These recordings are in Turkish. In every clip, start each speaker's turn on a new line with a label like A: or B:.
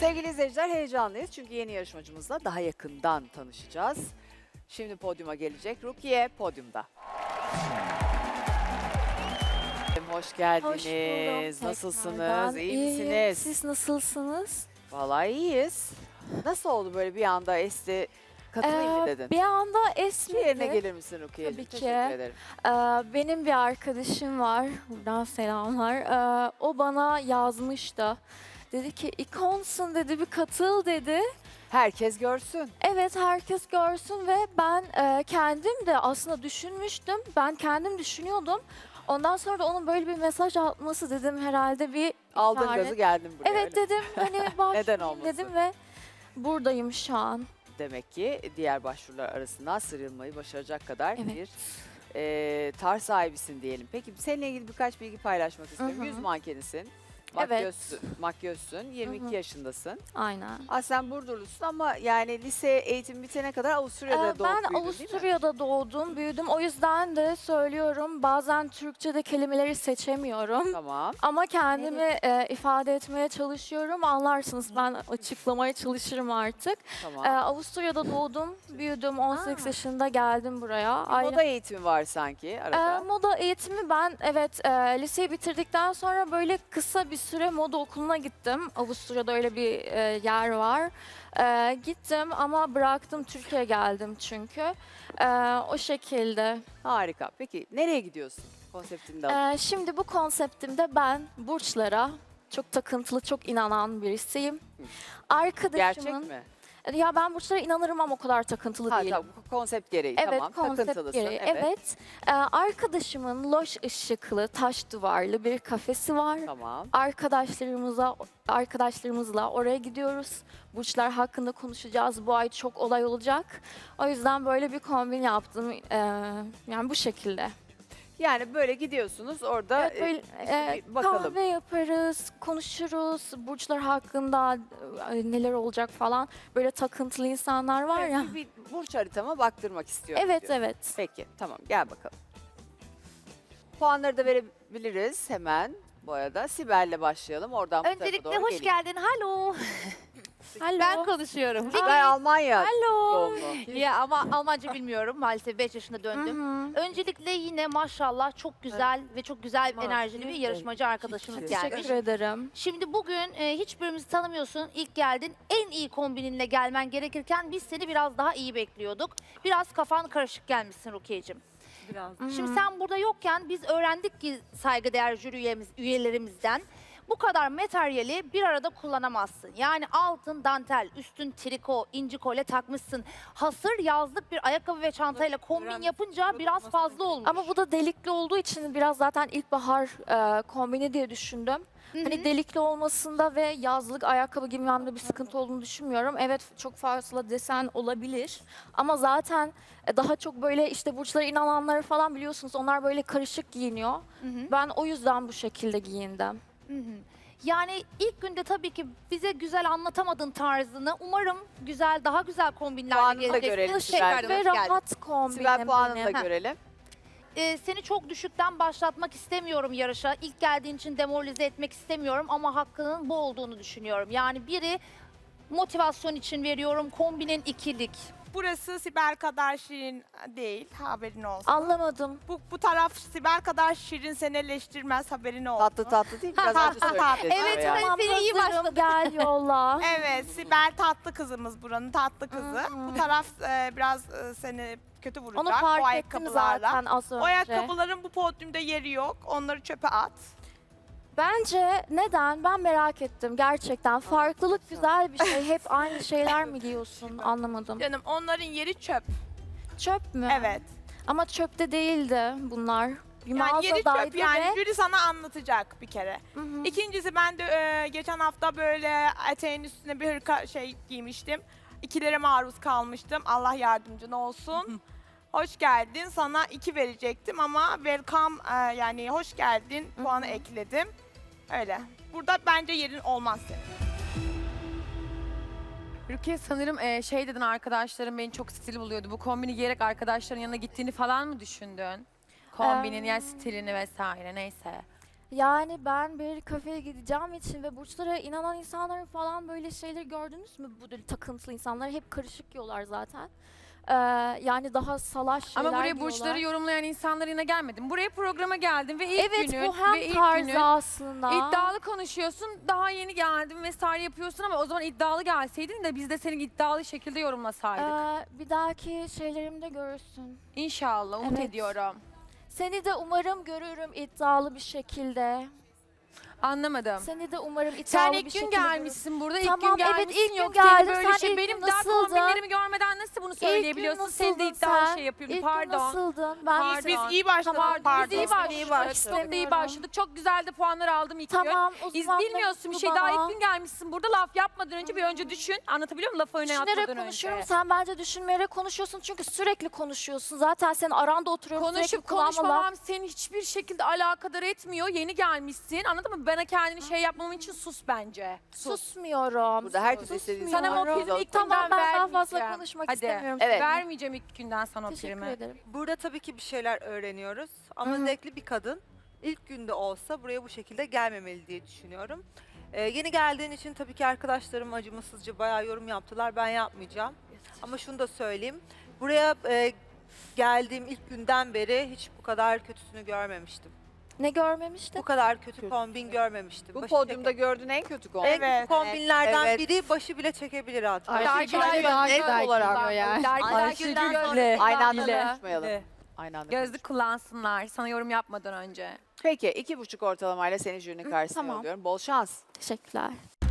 A: Sevgili izleyiciler heyecanlıyız çünkü yeni yarışmacımızla daha yakından tanışacağız. Şimdi podyuma gelecek. Rukiye podyumda. Hoş geldiniz.
B: Hoş buldum
A: Nasılsınız?
B: tekrardan.
A: İyi
B: İyiyim.
A: misiniz?
B: Siz nasılsınız?
A: Vallahi iyiyiz. Nasıl oldu böyle bir anda esti katılayım mı dedin?
B: Bir anda
A: Şu yerine
B: esmedi.
A: gelir misin Rukiye'ciğim?
B: Tabii ki.
A: Teşekkür ederim.
B: Benim bir arkadaşım var. Buradan selamlar. O bana yazmıştı. Dedi ki ikonsun dedi, bir katıl dedi.
A: Herkes görsün.
B: Evet, herkes görsün ve ben kendim de aslında düşünmüştüm. Ben kendim düşünüyordum. Ondan sonra da onun böyle bir mesaj atması dedim herhalde bir
A: Aldın
B: işaret.
A: gazı geldin buraya.
B: Evet
A: öyle.
B: dedim hani
A: Neden
B: başlayayım
A: olmasın?
B: dedim ve buradayım şu an.
A: Demek ki diğer başvurular arasından sıyrılmayı başaracak kadar
B: Evet.
A: bir tarz sahibisin diyelim. Peki seninle ilgili birkaç bilgi paylaşmak istiyorum.
B: Hı hı.
A: Yüz mankenisin.
B: Evet.
A: Makyözsün. 22
B: Hı hı.
A: yaşındasın.
B: Aynen.
A: Sen Burdurlusun ama yani lise eğitimi bitene kadar Avusturya'da doğup
B: Ben
A: büyüdün, değil mi?
B: Avusturya'da doğdum, büyüdüm. O yüzden de söylüyorum bazen Türkçe'de kelimeleri seçemiyorum.
A: Tamam.
B: Ama kendimi ifade etmeye çalışıyorum. Anlarsınız, ben açıklamaya çalışırım artık.
A: Tamam.
B: Avusturya'da doğdum, büyüdüm. 18 yaşında geldim buraya.
A: Moda eğitimi var sanki arada.
B: Moda eğitimi ben liseyi bitirdikten sonra böyle kısa bir süre moda okuluna gittim. Avusturya'da öyle bir yer var. Gittim ama bıraktım, Türkiye'ye geldim çünkü. O şekilde.
A: Harika. Peki nereye gidiyorsun? Konseptini de alayım.
B: Şimdi bu konseptimde ben burçlara çok takıntılı, çok inanan birisiyim. Arkadaşımın...
A: Gerçek mi?
B: Ya ben burçlara inanırım ama o kadar takıntılı değilim.
A: Tamam. Konsept gereği.
B: Evet,
A: Tamam.
B: konsept
A: Takıntılısın.
B: gereği. Evet. Arkadaşımın loş ışıklı, taş duvarlı bir kafesi var.
A: Tamam.
B: Arkadaşlarımızla oraya gidiyoruz. Burçlar hakkında konuşacağız. Bu ay çok olay olacak. O yüzden böyle bir kombin yaptım. Yani bu şekilde.
A: Yani böyle gidiyorsunuz orada
B: Evet, böyle,
A: işte bir bakalım.
B: kahve yaparız, konuşuruz. Burçlar hakkında neler olacak falan. Böyle takıntılı insanlar var
A: Evet,
B: ya.
A: bir burç haritama baktırmak istiyorum.
B: Evet,
A: diyor.
B: evet.
A: Peki tamam gel bakalım. Puanları da verebiliriz hemen bu arada. Sibel'le başlayalım. Oradan bu tarafa
C: Öncelikle
A: doğru
C: hoş
A: geleyim.
C: geldin. Halo.
B: Hello.
C: Ben konuşuyorum.
A: Sibel Almanya
B: Hello.
A: doğumlu.
C: Ya ama Almanca bilmiyorum. Maalesef 5 yaşında döndüm.
B: Hı hı.
C: Öncelikle yine maşallah çok güzel ve çok güzel enerjili bir yarışmacı arkadaşımız gelmiş.
B: Teşekkür ederim.
C: Şimdi bugün hiçbirimizi tanımıyorsun. İlk geldin. En iyi kombininle gelmen gerekirken biz seni biraz daha iyi bekliyorduk. Biraz kafan karışık gelmişsin Rukiye'cim. Şimdi sen burada yokken biz öğrendik ki saygıdeğer jüri üyelerimizden bu kadar materyali bir arada kullanamazsın. Yani altın dantel, üstün triko, inci kolye takmışsın. Hasır yazlık bir ayakkabı ve çantayla kombin yapınca biraz fazla olmuş.
B: Ama bu da delikli olduğu için biraz zaten ilkbahar kombini diye düşündüm. Hani delikli olmasında ve yazlık ayakkabı giymemde bir sıkıntı olduğunu düşünmüyorum. Evet, çok fazla desen olabilir. Ama zaten daha çok böyle işte burçlara inananları falan biliyorsunuz. Onlar böyle karışık giyiniyor. Ben o yüzden bu şekilde giyindim.
C: Yani ilk günde tabii ki bize güzel anlatamadın tarzını. Umarım güzel, daha güzel kombinlerle
A: Puanını da
C: geleceksin.
A: görelim
C: Tekrardan
A: Sibel.
C: hoş
B: Ve
C: geldin.
B: rahat kombinim
A: Sibel puanını da
B: benim.
A: görelim.
C: Seni çok düşükten başlatmak istemiyorum yarışa. İlk geldiğin için demoralize etmek istemiyorum ama hakkının bu olduğunu düşünüyorum. Yani biri motivasyon için veriyorum, kombinin ikilik.
D: Burası Sibel kadar şirin değil, haberin olsun.
B: Anlamadım.
D: Bu taraf Sibel kadar şirin seni eleştirmez, haberin olsun.
A: Tatlı tatlı değil mi? Biraz önce
D: Tatlı,
A: söylediniz.
C: Evet,
A: yani.
C: evet. Seni iyi
B: hazırım,
C: başladık.
B: gel yolla.
D: Evet, Sibel tatlı kızımız buranın, tatlı kızı. Bu taraf biraz seni kötü vuracak
B: Onu
D: o
B: fark ettim
D: ayakkabılarla.
B: zaten az önce.
D: O ayakkabıların bu podyumda yeri yok, onları çöpe at.
B: Bence neden? Ben merak ettim gerçekten. Farklılık güzel bir şey. Hep aynı şeyler mi giyiyorsun? Anlamadım.
D: Canım onların yeri çöp,
B: Çöp mü?
D: evet.
B: Ama çöpte değildi bunlar. Bir
D: Yani yeri
B: mağazadaydı
D: çöp yani,
B: ve...
D: jüri sana anlatacak bir kere.
B: Hı hı.
D: İkincisi ben de geçen hafta böyle eteğin üstüne bir hırka giymiştim. İkilere maruz kalmıştım. Allah yardımcın olsun. Hoş geldin. Sana 2 verecektim ama welcome yani hoş geldin puanı ekledim. Öyle. Burada bence yerin olmaz senin.
E: Rukiye sanırım şey dedin, arkadaşlarım beni çok stil buluyordu. Bu kombini giyerek arkadaşların yanına gittiğini falan mı düşündün? Kombinin yani stilini vesaire neyse.
B: Yani ben bir kafeye gideceğim için ve burçlara inanan insanların falan böyle şeyleri gördünüz mü? Bu böyle takıntılı insanlar hep karışık yiyorlar zaten. Yani daha salaş şeyler
E: Ama buraya
B: yiyorlar.
E: burçları yorumlayan insanlar yine gelmedim. Buraya programa geldim ve ilk
B: Evet
E: günün
B: bu hem
E: ve ilk
B: tarzı
E: günün
B: aslında.
E: iddialı konuşuyorsun. Daha yeni geldim vesaire yapıyorsun ama o zaman iddialı gelseydin de biz de seni iddialı şekilde yorumlasaydık.
B: Bir dahaki şeylerimde görürsün.
E: İnşallah umut
B: Evet.
E: ediyorum.
B: Seni de umarım görürüm iddialı bir şekilde.
E: Anlamadım.
B: Seni de umarım iddialı
E: Sen
B: bir
E: ilk gün
B: şekilde
E: gelmişsin burada. İlk
B: Tamam,
E: gün
B: evet,
E: gelmişsin.
B: ilk gün
E: Yok
B: geldim.
E: senin böyle
B: Sen ilk
E: benim
B: gün
E: daha
B: nasıldın?
E: kombinlerimi görmeden nasıl bunu söyleyebiliyorsun? Senin de iddialı şey yapıyorsun.
B: İlk gün
E: Pardon.
B: nasıldın? Ben
E: Pardon.
D: Biz iyi başladık.
B: Tamam,
D: pardon.
E: Biz iyi başladık. Çok da iyi başladık. Çok güzel de puanlar aldım ilk gün.
B: Tamam o zaman
E: Bilmiyorsun bir
B: mutlu
E: şey. Daha
B: bana.
E: ilk gün gelmişsin burada laf yapmadan önce bir önce düşün. Anlatabiliyor muyum? Lafı öne
B: Düşünerek
E: atmadan
B: konuşuyorum.
E: önce.
B: Sen bence düşünmeyerek konuşuyorsun çünkü sürekli konuşuyorsun. Zaten senin aranda oturuyorum
E: Konuşup
B: sürekli kulağıma laf.
E: konuşmamam seni hiçbir şekilde alakadar etmiyor. Yeni gelmişsin. Anladın mı? Bana kendini şey yapmamam için sus bence.
B: Susmuyorum.
A: Burada herkes istediği
E: Sana
A: zaman
E: o
A: biz
E: primi ilk
A: oturalım.
B: Tamam
E: günden
B: ben daha fazla
E: vermeyeceğim.
B: konuşmak
E: Hadi.
B: istemiyorum.
A: Evet.
E: Vermeyeceğim ilk günden sana o
B: Teşekkür
E: primi.
B: ederim.
F: Burada tabii ki bir şeyler öğreniyoruz ama
B: Hı hı.
F: zevkli bir kadın ilk günde olsa buraya bu şekilde gelmemeli diye düşünüyorum. Yeni geldiğin için tabii ki arkadaşlarım acımasızca bayağı yorum yaptılar. Ben yapmayacağım. Ama şunu da söyleyeyim. Buraya geldiğim ilk günden beri hiç bu kadar kötüsünü görmemiştim.
B: Ne görmemiştin?
F: Bu kadar kötü kombin görmemiştim.
A: Bu
F: Başı
A: podyumda
F: çeke-
A: gördüğün en kötü kombin.
F: en
D: Evet.
F: kötü kombinlerden
A: Evet.
F: biri başı bile çekebilir hatta.
E: Ayşegül
A: daha
E: net
A: güzel
E: olarak
A: giyiyor
E: yani.
F: Ayşegül
A: Aynı anda
E: Bile.
A: konuşmayalım. Aynı anda
E: Gözlük kullansınlar sana yorum yapmadan önce.
A: Peki 2,5 ortalamayla seni jürinin karşısına
B: tamam.
A: yolluyorum. Bol şans.
B: Teşekkürler.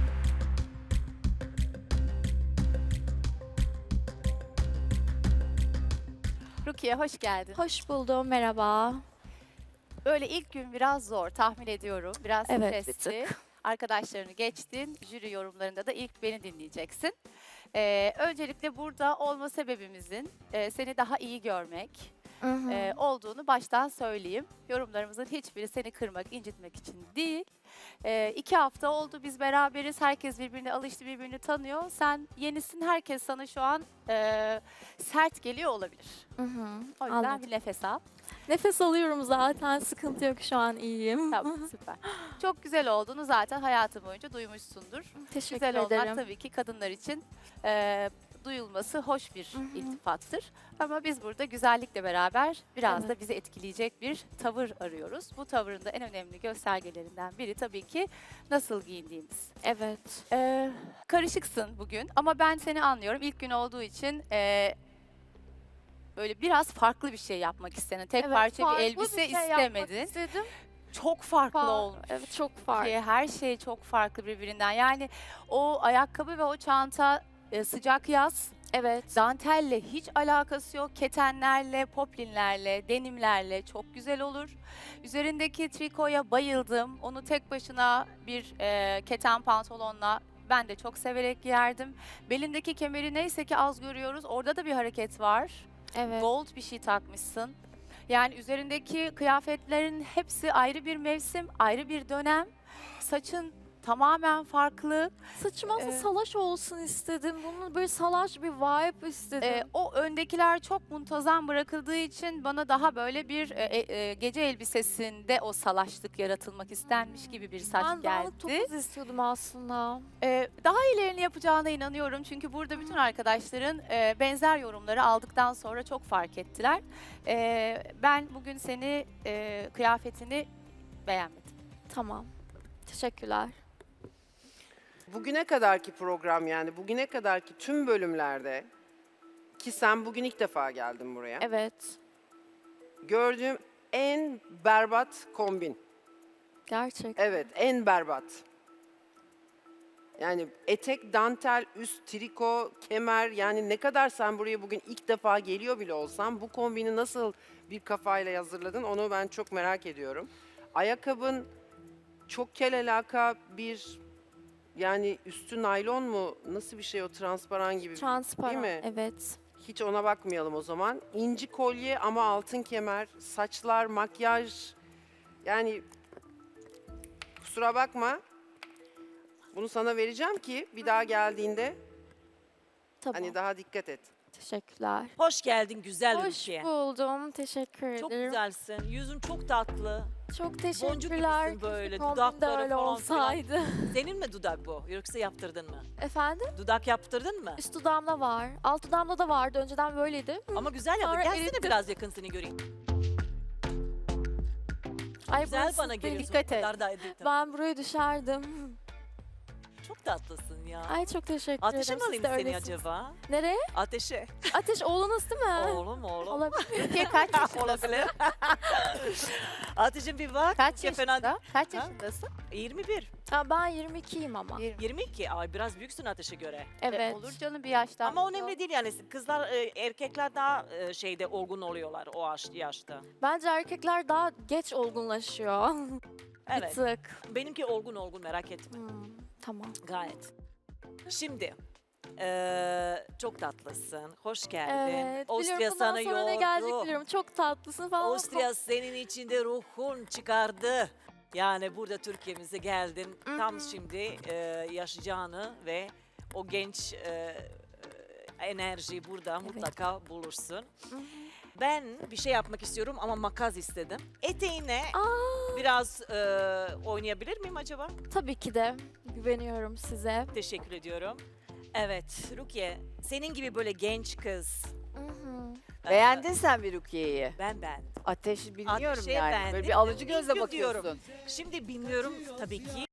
G: Rukiye hoş geldin.
B: Hoş buldum. Merhaba.
G: Böyle ilk gün biraz zor tahmin ediyorum. Biraz
B: Evet, bir
G: stresli. Arkadaşlarını geçtin. Jüri yorumlarında da ilk beni dinleyeceksin. Öncelikle burada olma sebebimizin seni daha iyi görmek
B: Hı hı.
G: olduğunu baştan söyleyeyim. Yorumlarımızın hiçbiri seni kırmak, incitmek için değil. 2 hafta oldu biz beraberiz. Herkes birbirine alıştı, birbirini tanıyor. Sen yenisin, herkes sana şu an sert geliyor olabilir.
B: Hı hı.
G: O yüzden
B: Anladım.
G: bir nefes al.
B: Nefes alıyorum zaten. Sıkıntı yok şu an iyiyim.
G: Tamam süper. Çok güzel olduğunu zaten hayatın boyunca duymuşsundur.
B: Teşekkür
G: Güzel olmak
B: ederim.
G: tabii ki kadınlar için duyulması hoş bir
B: hı.
G: iltifattır. Ama biz burada güzellikle beraber biraz da bizi etkileyecek bir tavır arıyoruz. Bu tavırın da en önemli göstergelerinden biri tabii ki nasıl giyindiğimiz.
B: Evet.
G: Karışıksın bugün ama ben seni anlıyorum. İlk gün olduğu için böyle biraz farklı bir şey yapmak istedin. Tek
B: Evet,
G: parça bir
B: farklı
G: elbise
B: şey yapmak
G: istemedin.
B: istedim.
G: Çok farklı olmuş.
B: Evet çok farklı.
G: Her şey çok farklı birbirinden. Yani o ayakkabı ve o çanta sıcak yaz,
B: Evet.
G: dantelle hiç alakası yok. Ketenlerle, poplinlerle, denimlerle çok güzel olur. Üzerindeki trikoya bayıldım. Onu tek başına bir keten pantolonla ben de çok severek giyerdim. Belindeki kemeri neyse ki az görüyoruz. Orada da bir hareket var.
B: Evet.
G: Gold bir şey takmışsın. Yani üzerindeki kıyafetlerin hepsi ayrı bir mevsim, ayrı bir dönem. Saçın tamamen farklı.
B: Saçım aslında
G: Ee,
B: salaş olsun istedim. Bunun böyle salaş bir vibe istedim.
G: O öndekiler çok muntazam bırakıldığı için bana daha böyle bir gece elbisesinde o salaşlık yaratılmak istenmiş gibi bir saç
B: ben dağınık
G: geldi.
B: topuz istiyordum aslında.
G: Daha iyilerini yapacağına inanıyorum. Çünkü burada bütün arkadaşların benzer yorumları aldıktan sonra çok fark ettiler. Ben bugün seni kıyafetini beğenmedim.
B: Tamam. Teşekkürler.
H: Bugüne kadarki program yani bugüne kadarki tüm bölümlerde ki sen bugün ilk defa geldin buraya.
B: Evet.
H: Gördüğüm en berbat kombin.
B: Gerçekten.
H: Evet, en berbat. Yani etek, dantel, üst, triko, kemer yani ne kadar sen buraya bugün ilk defa geliyor bile olsan bu kombini nasıl bir kafayla hazırladın onu ben çok merak ediyorum. Ayakkabın çok kel alaka bir yani üstü naylon mu nasıl bir şey o transparan gibi
B: Transparan.
H: değil mi?
B: Evet.
H: Hiç ona bakmayalım o zaman. İnci kolye ama altın kemer, saçlar, makyaj yani kusura bakma. Bunu sana vereceğim ki bir daha geldiğinde
B: Tamam.
H: hani daha dikkat et.
B: Teşekkürler.
I: Hoş geldin güzel
B: Hoş
I: ülke.
B: buldum. Teşekkür
I: Çok
B: ederim.
I: güzelsin. Yüzün çok tatlı.
B: Çok
I: Boncuk
B: teşekkürler.
I: gibisin böyle.
B: Kombin de
I: Dudakları
B: öyle
I: falan filan.
B: olsaydı.
I: Senin mi dudak bu? Yoksa yaptırdın mı?
B: Efendim?
I: Dudak yaptırdın mı?
B: Üst dudağımda var. Alt dudağımda da vardı. Önceden böyleydi.
I: Ama güzel yaptın.
B: Sonra
I: Gelsene
B: erittim.
I: biraz yakın seni göreyim.
B: Ay
I: Güzel
B: burası
I: bana
B: değil.
I: geliyorsun.
B: Dikkat
I: o
B: et.
I: kadar da edildim.
B: Ben buraya düşerdim.
I: Çok tatlısın ya.
B: Ay çok teşekkür
I: Ateşe
B: ederim.
I: mi alayım
B: Siz de
I: seni
B: öylesiniz.
I: acaba?
B: Nereye?
I: Ateşe.
B: Ateş oğlunuz değil mi?
I: Oğlum oğlum.
B: Olabilir.
G: Türkiye kaç yaşındasın?
I: Olabilir. Ateşim bir bak.
G: Kaç
I: Ya fena
G: yaşında? Kaç
I: Ha?
G: yaşındasın?
I: 21.
B: Ha, ben 22'yim ama.
I: 22. Ay biraz büyüksün ateşe göre.
B: Evet.
G: Olur canım bir yaştan.
I: Ama önemli değil yani. Kızlar, erkekler daha şeyde olgun oluyorlar o yaşta.
B: Bence erkekler daha geç olgunlaşıyor. Bir
I: Evet.
B: tık.
I: Benimki olgun merak etme.
B: Tamam.
I: Gayet. Şimdi çok tatlısın. Hoş geldin.
B: Evet.
I: Avusturya
B: biliyorum bundan
I: sana
B: sonra ne gelecek
I: yordu.
B: biliyorum. Çok tatlısın falan. ama
I: Avusturya senin içinde ruhun çıkardı. Yani burada Türkiye'mize geldin. Tam şimdi yaşayacağını ve o genç enerjiyi burada mutlaka bulursun. Ben bir şey yapmak istiyorum ama makas istedim. Eteğine biraz oynayabilir miyim acaba?
B: Tabii ki de. Güveniyorum size.
I: Teşekkür ediyorum. Evet Rukiye, senin gibi böyle genç kız.
A: Beğendin sen bir Rukiye'yi.
I: Ben.
A: Ateşi bilmiyorum
I: Ateşi
A: yani.
I: beğendim.
A: Böyle bir alıcı gözle
I: İlk diyorum.
A: bakıyorsun.
I: Şimdi bilmiyorum tabii ki.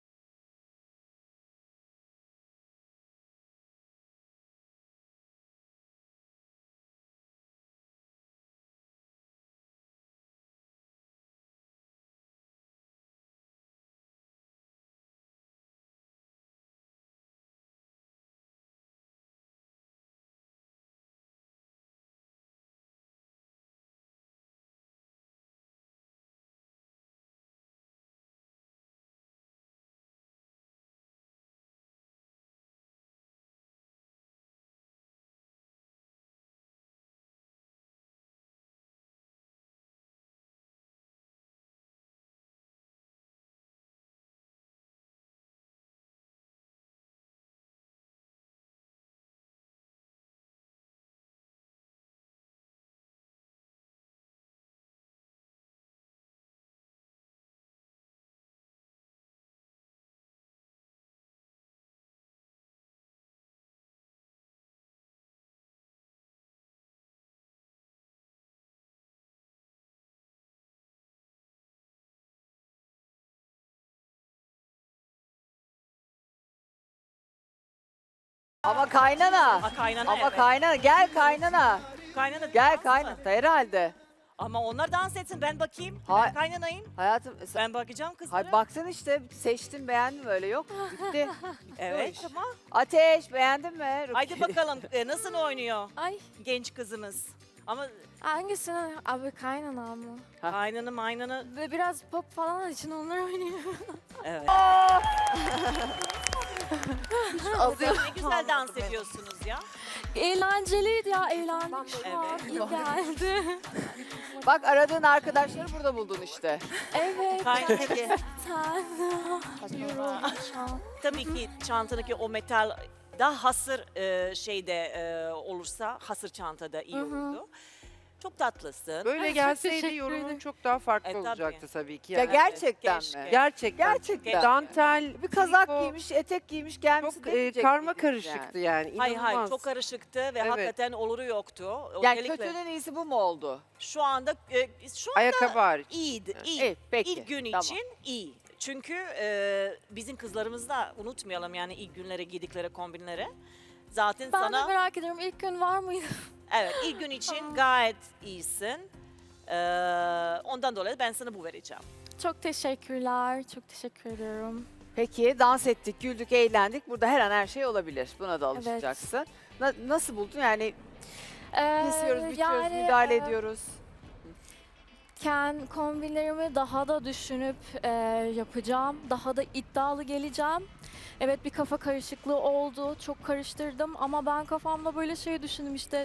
A: Ama kaynana.
I: Kaynana
A: Ama
I: evet.
A: kaynana. Gel kaynana.
I: Kaynana
A: Gel
I: dans mı?
A: kaynana. Herhalde.
I: Ama onlar dans etsin ben bakayım.
A: Hay-
I: Ben kaynanayım.
A: Hayatım sen...
I: Ben bakacağım kızlara.
A: Hay baksın işte seçtin beğendin öyle yok. Bitti.
I: Evet tamam.
A: Ateş beğendin mi? Rukiye?
I: Haydi bakalım nasıl oynuyor
B: Ay
I: genç kızımız. Ama
B: hangisini? Abi kaynana mı?
A: Ha.
I: aynanı.
B: Ve biraz pop falan için onlar oynuyor.
I: Evet.
A: Azıyor.
I: Ne güzel dans ediyorsunuz ya.
B: Eğlenceliydi ya. Eğlendik şu an.
I: Evet.
B: İyi geldi.
A: Bak aradığın arkadaşları burada buldun işte.
B: Evet.
I: Kaynana.
B: Sen. Yoruldum şu an.
I: Tabii ki çantadaki o metal daha hasır şeyde olursa hasır çantada iyi olurdu. Çok tatlısın.
H: Böyle
B: Ay, çok
H: gelseydi
B: teşekkür
H: yorumun
B: ederim.
H: çok daha farklı
I: Tabii.
H: olacaktı tabii ki.
A: Ya
H: Yani.
A: gerçekten
I: keşke.
A: mi?
H: Gerçekten.
A: Gerçekten.
H: Dantel,
A: Bir kazak
H: triko,
A: giymiş, etek giymiş gelmiş.
H: çok karma karışıktı yani.
I: Hayır
H: İnanılmaz.
I: çok karışıktı ve
H: Evet.
I: hakikaten oluru yoktu.
A: Yani
I: Özellikle
A: kötünün iyisi bu mu oldu?
I: şu anda
H: Ayakkabı hariç.
I: iyiydi. iyi.
A: İyi, peki.
I: İlk gün
A: Tamam.
I: için iyi. Çünkü bizim kızlarımız da unutmayalım yani ilk günlere giydikleri kombinleri. Zaten
B: Ben de
I: sana
B: merak ediyorum ilk gün var mıydı?
I: evet ilk gün için gayet iyisin. Ondan dolayı ben sana bu vereceğim.
B: Çok teşekkürler. Çok teşekkür ediyorum.
A: Peki dans ettik, güldük, eğlendik. Burada her an her şey olabilir. Buna da
B: Evet.
A: alışacaksın. Nasıl buldun? Yani
B: Ee,
A: kesiyoruz, bitiyoruz,
B: yani,
A: müdahale
B: e,
A: ediyoruz.
B: Kombinlerimi daha da düşünüp yapacağım. Daha da iddialı geleceğim. Evet bir kafa karışıklığı oldu. Çok karıştırdım ama ben kafamda böyle şey düşündüm işte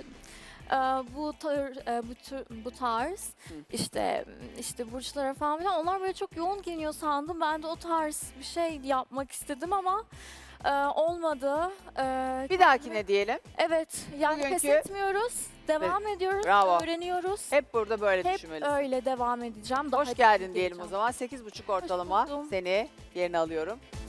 B: bu tarz işte burçlara falan filan onlar böyle çok yoğun giyiniyor sandım. Ben de o tarz bir şey yapmak istedim ama olmadı.
A: Bir dahakine diyelim.
B: Evet, yani pes
A: Bugünkü-
B: etmiyoruz. Devam ediyoruz,
A: Bravo.
B: öğreniyoruz.
A: Hep burada böyle
B: Hep
A: düşünmelisin.
B: öyle devam edeceğim. Daha
A: Hoş
B: iyi
A: geldin diyelim o
B: geleceğim.
A: zaman. 8,5 ortalama
B: buldum.
A: seni yerine alıyorum.